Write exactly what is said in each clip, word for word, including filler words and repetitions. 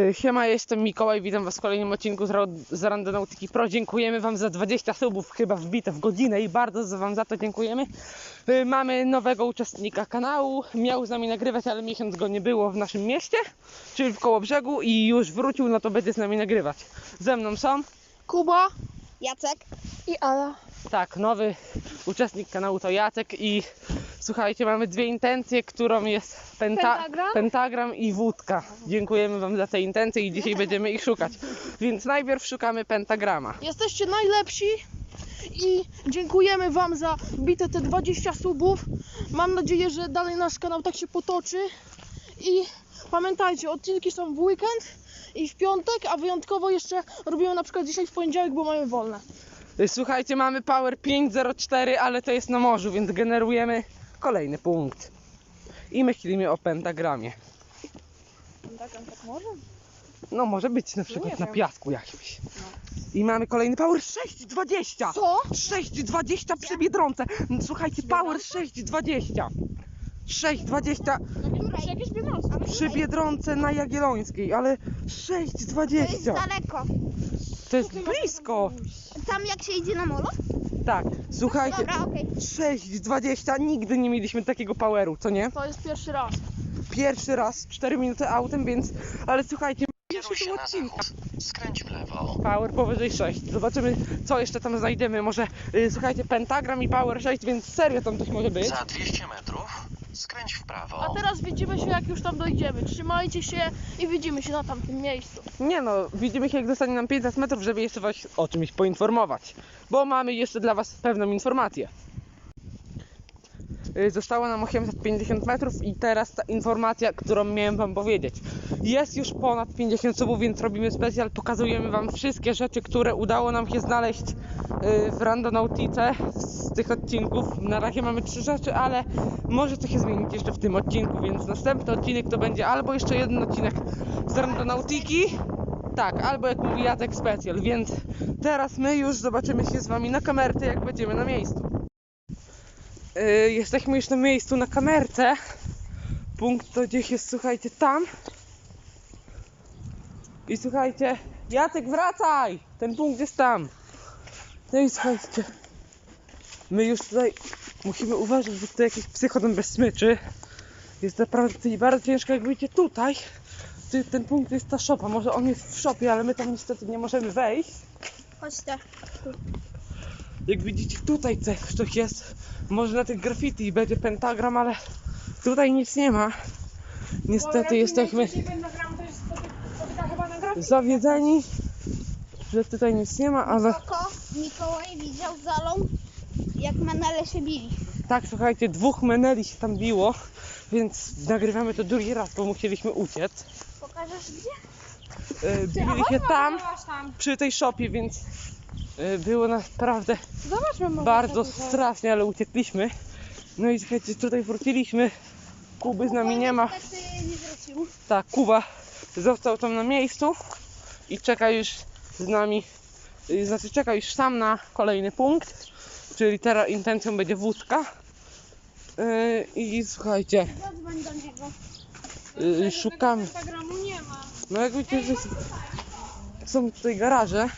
Siema, jestem Mikołaj, witam was w kolejnym odcinku z, z Randonautyki Pro. Dziękujemy wam za dwadzieścia subów, chyba wbite w godzinę i bardzo wam za to dziękujemy. Mamy nowego uczestnika kanału, miał z nami nagrywać, ale miesiąc go nie było w naszym mieście, czyli w Kołobrzegu, i już wrócił, no to będzie z nami nagrywać. Ze mną są Kuba, Jacek i Ala. Tak, nowy uczestnik kanału to Jacek i słuchajcie, mamy dwie intencje, którą jest penta Pentagram? pentagram i wódka. Dziękujemy wam za te intencje i dzisiaj będziemy ich szukać. Więc najpierw szukamy pentagrama. Jesteście najlepsi i dziękujemy wam za wbite te dwadzieścia subów. Mam nadzieję, że dalej nasz kanał tak się potoczy. I pamiętajcie, odcinki są w weekend i w piątek, a wyjątkowo jeszcze robimy na przykład dzisiaj w poniedziałek, bo mamy wolne. Słuchajcie, mamy Power pięć zero cztery, ale to jest na morzu, więc generujemy kolejny punkt. I myślimy o pentagramie. Pentagram tak może? No może być na przykład na piasku jakimś. I mamy kolejny Power sześć dwadzieścia. Co? sześć dwadzieścia przy Biedronce. Słuchajcie, Power sześć dwadzieścia. sześć dwadzieścia Przy jakiejś Biedronce? przy Biedronce na Jagiellońskiej, ale sześć To jest dwadzieścia. daleko. To jest blisko. Tam jak się idzie na molo? Tak, słuchajcie, Dobra, okej. sześć dwadzieścia, nigdy nie mieliśmy takiego poweru, co nie? To jest pierwszy raz. Pierwszy raz, cztery minuty autem, więc... Ale słuchajcie, Kieruj się na zachód. Skręć w lewo. Power powyżej sześć. Zobaczymy, co jeszcze tam znajdziemy. Może, yy, słuchajcie, pentagram i Power sześć, więc serio tam coś może być. Za dwieście metrów skręć w prawo. A teraz widzimy się, jak już tam dojdziemy. Trzymajcie się i widzimy się na tamtym miejscu. Nie no, widzimy się, jak dostanie nam pięćset metrów, żeby jeszcze was o czymś poinformować. Bo mamy jeszcze dla was pewną informację. Yy, Zostało nam osiemset pięćdziesiąt metrów i teraz ta informacja, którą miałem wam powiedzieć. Jest już ponad pięćdziesiąt subów, więc robimy specjal. Pokazujemy wam wszystkie rzeczy, które udało nam się znaleźć yy, w Randonautice z tych odcinków. Na razie mamy trzy rzeczy, ale może coś się zmienić jeszcze w tym odcinku, więc następny odcinek to będzie albo jeszcze jeden odcinek z Randonautiki, tak, albo jak mówi Jacek, specjal. Więc teraz my już zobaczymy się z wami na kamerce, jak będziemy na miejscu. Yy, jesteśmy już na miejscu na kamerce. Punkt to gdzieś jest, słuchajcie, tam. I słuchajcie, Jacek, wracaj! Ten punkt jest tam. No i słuchajcie, my już tutaj musimy uważać, bo tutaj jakieś psy chodzą bez smyczy. Jest naprawdę tutaj bardzo ciężko, jak wyjdziecie tutaj. Ty, ten punkt jest ta szopa, może on jest w szopie, ale my tam niestety nie możemy wejść. Chodź tak. Jak widzicie, tutaj coś jest, może na tych graffiti będzie pentagram, ale tutaj nic nie ma. Niestety jesteśmy zawiedzeni, że tutaj nic nie ma, ale Oko Mikołaj widział zalą, jak menele się bili. tak, słuchajcie, dwóch meneli się tam biło, więc nagrywamy to drugi raz, bo musieliśmy uciec. Pokażesz gdzie? Yy, Bili się tam, przy tej szopie, więc yy, było naprawdę Zobaczmy może. bardzo strasznie, ale uciekliśmy. No i słuchajcie, tutaj wróciliśmy. Kuby z nami nie ma. Niestety nie wrócił. Tak, Kuba został tam na miejscu i czeka już z nami, yy, znaczy czeka już sam na kolejny punkt, czyli teraz intencją będzie wódka. Yy, I słuchajcie, Zadzwoń do niego. yy, szukamy. Instagramu nie ma. No jak widzicie, że są tutaj garaże.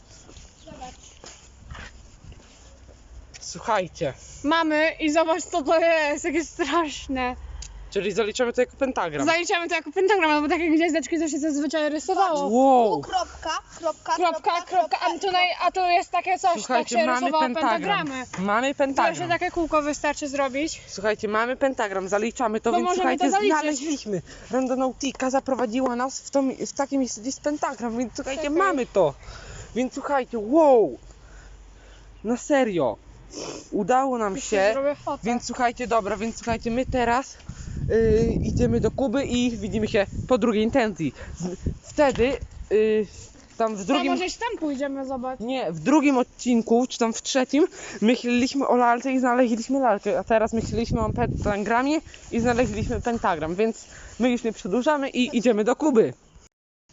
Słuchajcie, Mamy i zobacz, co to jest, jakie straszne. czyli zaliczamy to jako pentagram. Zaliczamy to jako pentagram, no bo takie gwiazdeczki to się zazwyczaj rysowało. Wow! Kropka, kropka, Kropka, kropka, a tutaj, a tu jest takie coś, tak Słuchajcie, się mamy rysowało pentagram. pentagramy. Mamy To pentagram. się takie kółko wystarczy zrobić. Słuchajcie, mamy pentagram, zaliczamy to, To więc możemy słuchajcie, to zaliczyć. znaleźliśmy. Randonautika zaprowadziła nas w, to, w takie miejsce, gdzie jest pentagram, więc słuchajcie, Czekaj. mamy to. Więc słuchajcie, wow! Na serio. Udało nam się. Zrobię fotę. Więc słuchajcie, dobra, więc słuchajcie, my teraz yy, idziemy do Kuby i widzimy się po drugiej intencji. Z, wtedy yy, tam w To drugim... może tam pójdziemy, zobacz. Nie, w drugim odcinku, czy tam w trzecim, myśleliśmy o lalce i znaleźliśmy lalkę, a teraz myśleliśmy o pentagramie i znaleźliśmy pentagram, więc my już nie przedłużamy i idziemy do Kuby.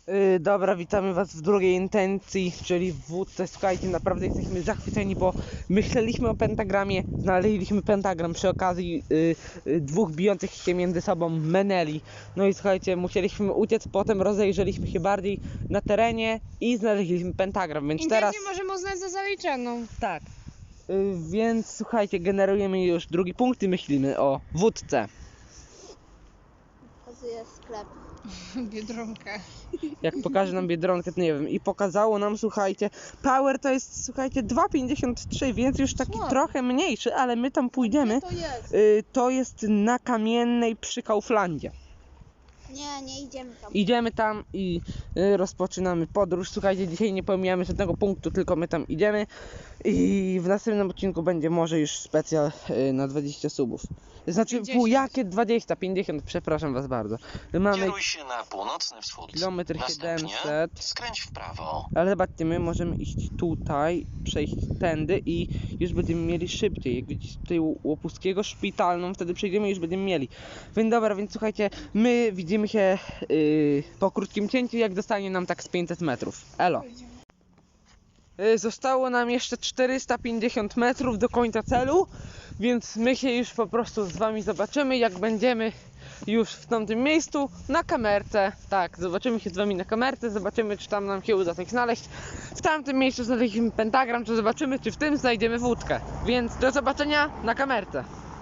Yy, dobra, witamy was w drugiej intencji, czyli w wódce. Słuchajcie, naprawdę jesteśmy zachwyceni, bo myśleliśmy o pentagramie, znaleźliśmy pentagram przy okazji yy, yy, dwóch bijących się między sobą meneli. No i słuchajcie, musieliśmy uciec, potem rozejrzeliśmy się bardziej na terenie i znaleźliśmy pentagram, więc teraz... Intencję możemy uznać za zaliczoną. Tak. Yy, więc słuchajcie, generujemy już drugi punkt i myślimy o wódce. Pokazuję sklep. Biedronkę. Jak pokaże nam Biedronkę, to nie wiem. I pokazało nam, słuchajcie, Power to jest, słuchajcie, dwa pięćdziesiąt trzy, więc już taki Słabo. trochę mniejszy, ale my tam pójdziemy. Gdzie to jest? Y, to jest na Kamiennej przy Kauflandzie. Nie, nie idziemy tam. Idziemy tam i y, rozpoczynamy podróż. Słuchajcie, dzisiaj nie pomijamy żadnego punktu, tylko my tam idziemy. I w następnym odcinku będzie może już specjal y, na dwadzieścia subów. Znaczy, pięćdziesiąt. pół, jakie dwadzieścia, pięćdziesiąt, przepraszam was bardzo. Mamy Kieruj się na północny wschód. kilometr Następnie siedemset. skręć w prawo. Ale zobaczcie, my możemy iść tutaj, przejść tędy i już będziemy mieli szybciej. Jak widzicie tutaj u Łopuskiego szpitalną, wtedy przejdziemy i już będziemy mieli. Więc dobra, więc słuchajcie, my widzimy się yy, po krótkim cięciu, jak dostanie nam tak z pięćset metrów. Elo. Yy, zostało nam jeszcze czterysta pięćdziesiąt metrów do końca celu, więc my się już po prostu z wami zobaczymy, jak będziemy już w tamtym miejscu na kamerce. Tak, zobaczymy się z wami na kamerce, zobaczymy, czy tam nam się uda coś znaleźć. W tamtym miejscu znaleźliśmy pentagram, to zobaczymy, czy w tym znajdziemy wódkę. Więc do zobaczenia na kamerce.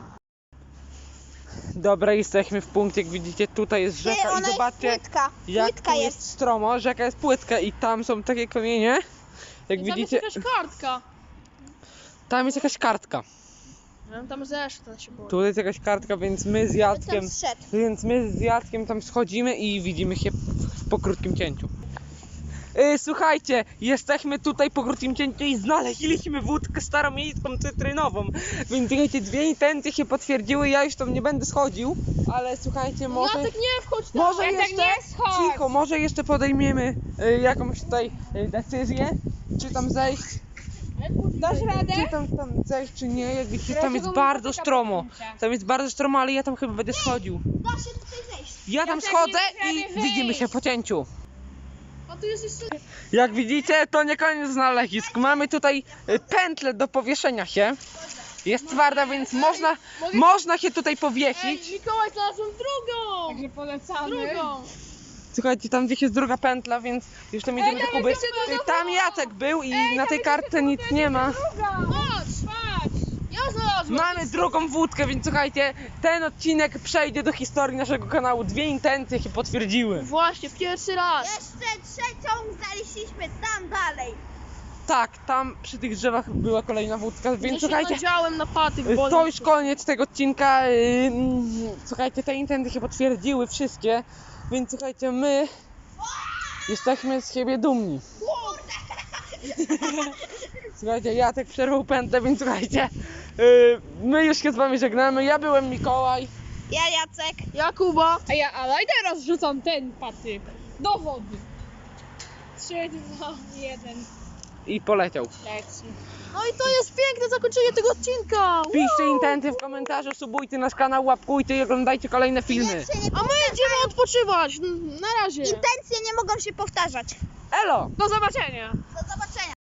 Dobra, jesteśmy w punkcie, jak widzicie, tutaj jest Ty, rzeka ona i zobaczcie, jest płytka. jak Płytka tu jest. jest stromo, rzeka jest płytka i tam są takie kamienie. Jak Tam widzicie, jest jakaś kartka. tam jest jakaś kartka. Ja bym tam zeszła się boję. Tu jest jakaś kartka, więc my z Tam Jackiem, zszedł. więc my z Jackiem tam schodzimy i widzimy się w- po krótkim cięciu. Yy, słuchajcie, jesteśmy tutaj po krótkim cięciu i znaleźliśmy wódkę staromiejską cytrynową. Więc słuchajcie, dwie intencje się potwierdziły, ja już tam nie będę schodził, ale słuchajcie, może... Jacek, nie wchodź tam! Może Jacek, jeszcze, nie schodź! cicho, może jeszcze podejmiemy y, jakąś tutaj y, decyzję, czy tam zejść, Dasz radę? czy tam, tam zejść, czy nie, jak widzicie, tam Dlaczego jest mu bardzo dotyka stromo, podjęcia? tam jest bardzo stromo, ale ja tam chyba będę schodził. Da się tutaj zejść. Ja tam Jacek, schodzę nie i da rady widzimy się wyjść. po cięciu. A tu jest jeszcze... Jak widzicie, to nie koniec znalezisk, mamy tutaj y, pętlę do powieszenia się, jest twarda, więc można, można się tutaj Ej, powiesić. Mikołaj, znalazłem drugą! Także polecamy. Drugą! Słuchajcie, tam gdzieś jest druga pętla, więc już tam idziemy do tam Kuby. jest jeszcze druga Y, Tam Jacek był i na tej kartce nic nie ma. Chodź! Patrz! Ja znalazłem! Mamy drugą wódkę, więc słuchajcie, ten odcinek przejdzie do historii naszego kanału. Dwie intencje się potwierdziły. Właśnie, pierwszy raz! Jeszcze trzecią znaleźliśmy tam dalej. Tak, tam przy tych drzewach była kolejna wódka, Ja więc się słuchajcie, nadziałem na patyk, y, bo... to już koniec tego odcinka. y, mm, Słuchajcie, te intencje się potwierdziły wszystkie, więc słuchajcie, my jesteśmy z siebie dumni. Słuchajcie, Jacek przerwał pętlę, więc słuchajcie, y, my już się z wami żegnamy. Ja byłem Mikołaj. Ja Jacek. Jakuba! A ja, ale i teraz rzucam ten patyk do wody. trzy, dwa, jeden. I poleciał. Leci. No i to jest piękne zakończenie tego odcinka! Piszcie intencje w komentarzu, subujcie nasz kanał, łapkujcie i oglądajcie kolejne filmy. Intencje nie, A my idziemy odpoczywać! Na razie! intencje nie mogą się powtarzać. Elo! Do zobaczenia! Do zobaczenia.